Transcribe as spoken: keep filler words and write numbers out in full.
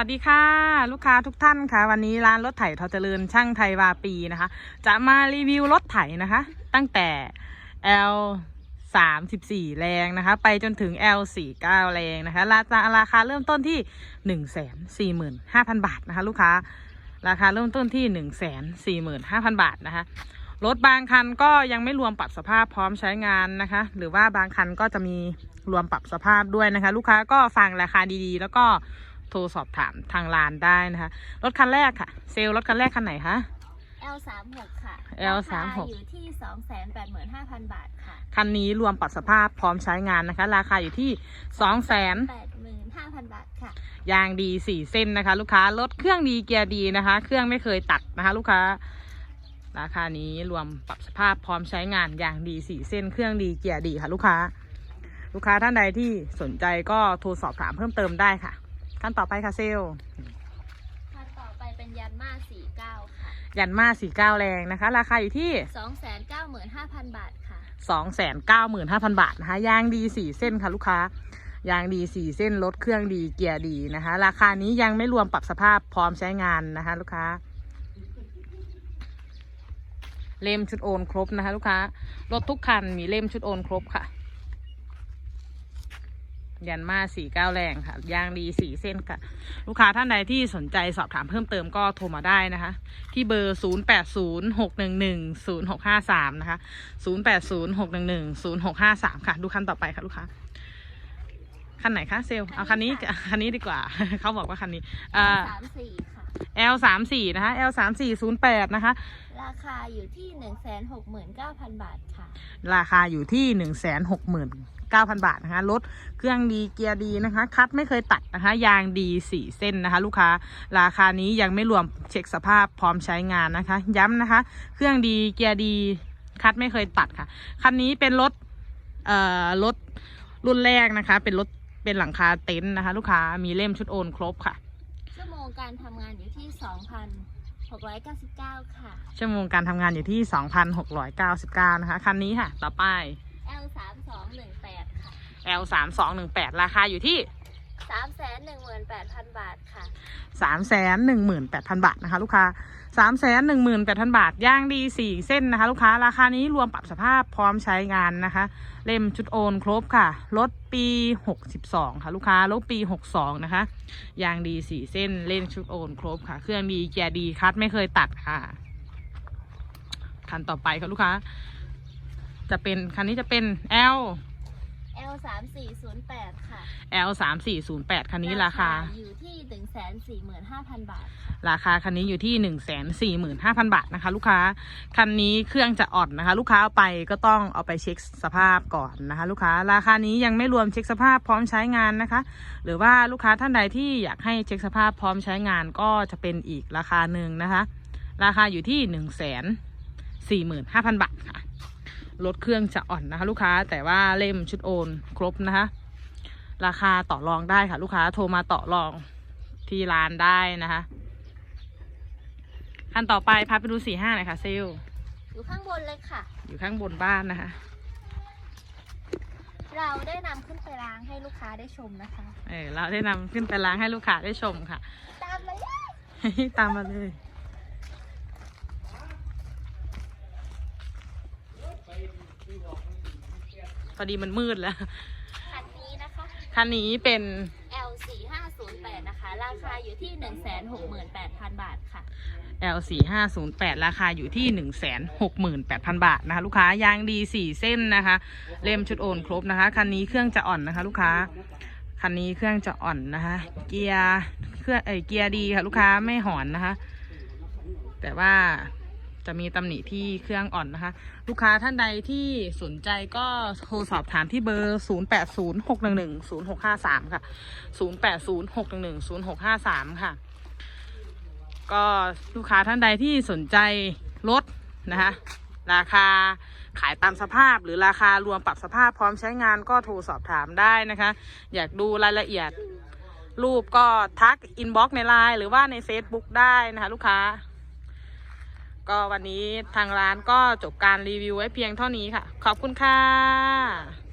สดีค่ะลูกค้าทุกท่านค่ะวันนี้ร้านรถไถทอเจริญช่างไทยวาปีนะคะจะมารีวิวรถไถนะคะตั้งแต่ แอล สามสิบสี่ แรงนะคะไปจนถึง แอล สี่สิบเก้า แรงนะคะราคาราคาเริ่มต้นที่ หนึ่งแสนสี่หมื่นห้าพัน บาทนะคะลูกค้าราคาเริ่มต้นที่ หนึ่งแสนสี่หมื่นห้าพัน บาทนะคะรถบางคันก็ยังไม่รวมปรับสภาพพร้อมใช้งานนะคะหรือว่าบางคันก็จะมีรวมปรับสภาพด้วยนะคะลูกค้าก็ฟังราคาดีๆแล้วก็โทรสอบถามทางร้านได้นะคะรถคันแรกค่ะเซลล์รถคันแรกคันไหนคะแอล สามสิบหก ค่ะแอล สามสิบหกอยู่ที่ สองแสนแปดหมื่นห้าพัน บาทค่ะคันนี้รวมปรับสภาพพร้อมใช้งานนะคะราคาอยู่ที่ สองแสนแปดหมื่นห้าพัน บาทค่ะยางดีสี่เส้นนะคะลูกค้ารถเครื่องดีเกียร์ดีนะคะเครื่องไม่เคยตัดนะคะลูกค้าราคานี้รวมปรับสภาพพร้อมใช้งานยางดีสี่เส้นเครื่องดีเกียร์ดีค่ะลูกค้าลูกค้าท่านใดที่สนใจก็โทรสอบถามเพิ่มเติมได้ค่ะขั้นต่อไปค่ะเซลขั้นต่อไปเป็นยันมาสี่สิบเก้าค่ะยันมาสี่สิบเก้าแรงนะคะราคาอยู่ที่สองแสนเก้าหมื่นห้าพัน บาทค่ะสองแสนเก้าหมื่นห้าพัน บาทนะคะยางดีสี่เส้นค่ะลูกค้ายางดีสี่เส้นรถเครื่องดีเกียร์ดีนะคะราคานี้ยังไม่รวมปรับสภาพพร้อมใช้งานนะคะลูกค้าเล่มชุดโอนครบนะคะลูกค้ารถทุกคันมีเล่มชุดโอนครบค่ะยันมาสี่เก้าแรงค่ะยางดีสี่เส้นค่ะลูกค้าท่านใดที่สนใจสอบถามเพิ่มเติมก็โทรมาได้นะคะที่เบอร์ศูนย์ แปด ศูนย์ หก หนึ่ง หนึ่ง ศูนย์ หก ห้า สามนะคะศูนย์ แปด ศูนย์ หก หนึ่ง หนึ่ง ศูนย์ หก ห้า สามค่ะดูคันต่อไปค่ะลูกค้าคันไหนคะเซลเอาคันนี้คันนี้ดีกว่า เขาบอกว่าคันนี้อ่าสามสิบสี่ ค่ะแอล สามสิบสี่ นะคะ แอล สามสี่ ศูนย์แปด นะคะราคาอยู่ที่ หนึ่งแสนหกหมื่นเก้าพัน บาทค่ะราคาอยู่ที่ หนึ่งแสนหกหมื่นเก้าพัน บาทนะคะรถเครื่องดีเกียร์ดีนะคะคัดไม่เคยตัดนะคะยางดีสี่เส้นนะคะลูกค้าราคานี้ยังไม่รวมเช็คสภาพพร้อมใช้งานนะคะย้ำนะคะเครื่องดีเกียร์ดีคัดไม่เคยตัดค่ะคันนี้เป็นรถเอ่อรถรุ่นแรกนะคะเป็นรถเป็นหลังคาเต็นท์นะคะลูกค้ามีเล่มชุดโอนครบค่ะชั่วโมงการทำงานอยู่ที่ สองพันหกร้อยเก้าสิบเก้า ค่ะชั่วโมงการทำงานอยู่ที่ สองพันหกร้อยเก้าสิบเก้า นะคะคันนี้ค่ะต่อไปแอล สามสองหนึ่งแปด ค่ะแอล สามสองหนึ่งแปด ราคาอยู่ที่สามแสนหนึ่งหมื่นแปดพัน บาทค่ะสามแสนหนึ่งหมื่นแปดพัน บาทนะคะลูกค้า สามแสนหนึ่งหมื่นแปดพัน บาทย่างดีสี่เส้นนะคะลูกค้าราคานี้รวมปรับสภาพพร้อมใช้งานนะคะเล่มชุดโอนครบค่ะรถปีหกสิบสองค่ะลูกค้ารถปีหกสิบสองนะคะยางดีสี่เส้นเล่มชุดโอนครบค่ะเครื่องดีเกียร์ดีคัดไม่เคยตัดค่ะคันต่อไปค่ะลูกค้าจะเป็นคันนี้จะเป็น L แอล สามสี่ศูนย์แปด ค่ะแอล สามสี่ศูนย์แปด คันนี้ราคาอยู่ที่ หนึ่งแสนสี่หมื่นห้าพัน บาทราคาคันนี้อยู่ที่ หนึ่งแสนสี่หมื่นห้าพัน บาทนะคะลูกค้าคันนี้เครื่องจะอ่อนนะคะลูกค้าเอาไปก็ต้องเอาไปเช็คสภาพก่อนนะคะลูกค้าราคานี้ยังไม่รวมเช็คสภาพพร้อมใช้งานนะคะหรือว่าลูกค้าท่านใดที่อยากให้เช็คสภาพพร้อมใช้งานก็จะเป็นอีกราคาหนึ่งนะคะราคาอยู่ที่ หนึ่งแสนสี่หมื่นห้าพัน บาทค่ะรถเครื่องจะอ่อนนะคะลูกค้าแต่ว่าเล่มชุดโอนครบนะคะราคาต่อรองได้ค่ะลูกค้าโทรมาต่อรองที่ร้านได้นะคะขั้นต่อไปพาไปดูสี่ห้าหน่อยค่ะเซลอยู่ข้างบนเลยค่ะอยู่ข้างบนบ้านนะคะเราได้นำขึ้นไปล้างให้ลูกค้าได้ชมนะคะเออเราได้นำขึ้นไปล้างให้ลูกค้าได้ชมค่ะตามมาเลยตามมาเลยพอดีมันมืดแล้วคันนี้นะคะคันนี้เป็นแอล สี่ห้าศูนย์แปด นะคะราคาอยู่ที่ หนึ่งแสนหกหมื่นแปดพัน บาทค่ะแอล สี่ห้าศูนย์แปด ราคาอยู่ที่ หนึ่งแสนหกหมื่นแปดพัน บาทนะคะลูกค้ายางดีสี่เส้นนะคะเล่มชุดโอนครบนะคะคันนี้เครื่องจะอ่อนนะคะลูกค้าคันนี้เครื่องจะอ่อนนะคะเกียร์เครื่องเออเกียร์ดีค่ะลูกค้าไม่หอนนะคะแต่ว่าจะมีตำหนิที่เครื่องอ่อนนะคะลูกค้าท่านใดที่สนใจก็โทรสอบถามที่เบอร์ ศูนย์ แปด ศูนย์ หก หนึ่ง หนึ่ง ศูนย์ หก ห้า สาม ค่ะ ศูนย์ แปด ศูนย์ หก หนึ่ง หนึ่ง ศูนย์ หก ห้า สาม ค่ะก็ลูกค้าท่านใดที่สนใจรถนะคะราคาขายตามสภาพหรือราคารวมปรับสภาพพร้อมใช้งานก็โทรสอบถามได้นะคะอยากดูรายละเอียดรูปก็ทักอินบ็อกซ์ในไลน์หรือว่าใน เฟซบุ๊ก ได้นะคะลูกค้าก็วันนี้ทางร้านก็จบการรีวิวไว้เพียงเท่านี้ค่ะขอบคุณค่ะ